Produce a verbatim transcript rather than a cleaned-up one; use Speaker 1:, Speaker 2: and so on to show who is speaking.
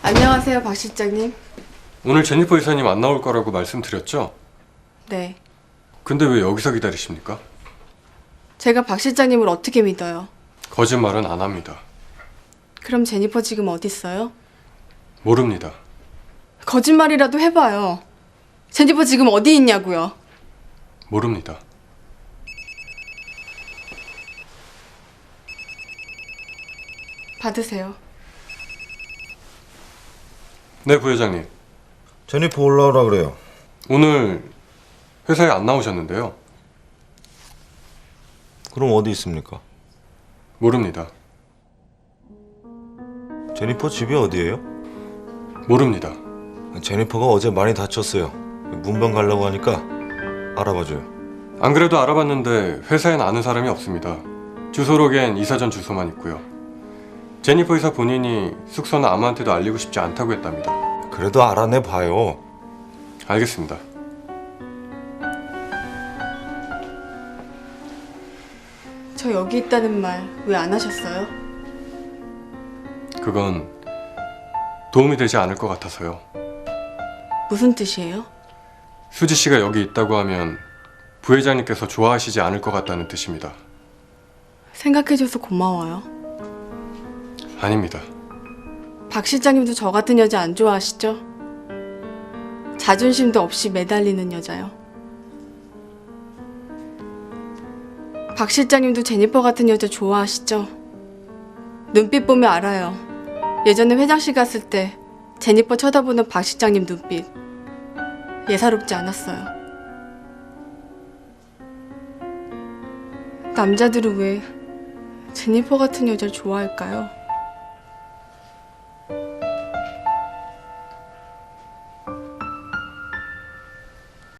Speaker 1: 안녕하세요, 박 실장님.
Speaker 2: 오늘 제니퍼 이사님 안 나올 거라고 말씀드렸죠?
Speaker 1: 네.
Speaker 2: 근데 왜 여기서 기다리십니까?
Speaker 1: 제가 박 실장님을 어떻게 믿어요?
Speaker 2: 거짓말은 안 합니다.
Speaker 1: 그럼 제니퍼 지금 어디 있어요?
Speaker 2: 모릅니다.
Speaker 1: 거짓말이라도 해봐요. 제니퍼 지금 어디 있냐고요?
Speaker 2: 모릅니다.
Speaker 1: 받으세요.
Speaker 2: 네, 부회장님.
Speaker 3: 제니퍼 올라오라 그래요.
Speaker 2: 오늘 회사에 안 나오셨는데요.
Speaker 3: 그럼 어디 있습니까?
Speaker 2: 모릅니다.
Speaker 3: 제니퍼 집이 어디예요?
Speaker 2: 모릅니다.
Speaker 3: 제니퍼가 어제 많이 다쳤어요. 문병 가려고 하니까 알아봐줘요.
Speaker 2: 안 그래도 알아봤는데 회사엔 아는 사람이 없습니다. 주소록엔 이사전 주소만 있고요. 제니퍼 이사 본인이 숙소는 아무한테도 알리고 싶지 않다고 했답니다.
Speaker 3: 그래도 알아내 봐요.
Speaker 2: 알겠습니다.
Speaker 1: 저 여기 있다는 말 왜 안 하셨어요?
Speaker 2: 그건 도움이 되지 않을 것 같아서요.
Speaker 1: 무슨 뜻이에요?
Speaker 2: 수지 씨가 여기 있다고 하면 부회장님께서 좋아하시지 않을 것 같다는 뜻입니다.
Speaker 1: 생각해줘서 고마워요.
Speaker 2: 아닙니다.
Speaker 1: 박 실장님도 저 같은 여자 안 좋아하시죠? 자존심도 없이 매달리는 여자요. 박 실장님도 제니퍼 같은 여자 좋아하시죠? 눈빛 보면 알아요. 예전에 회장실 갔을 때 제니퍼 쳐다보는 박 실장님 눈빛 예사롭지 않았어요. 남자들은 왜 제니퍼 같은 여자를 좋아할까요?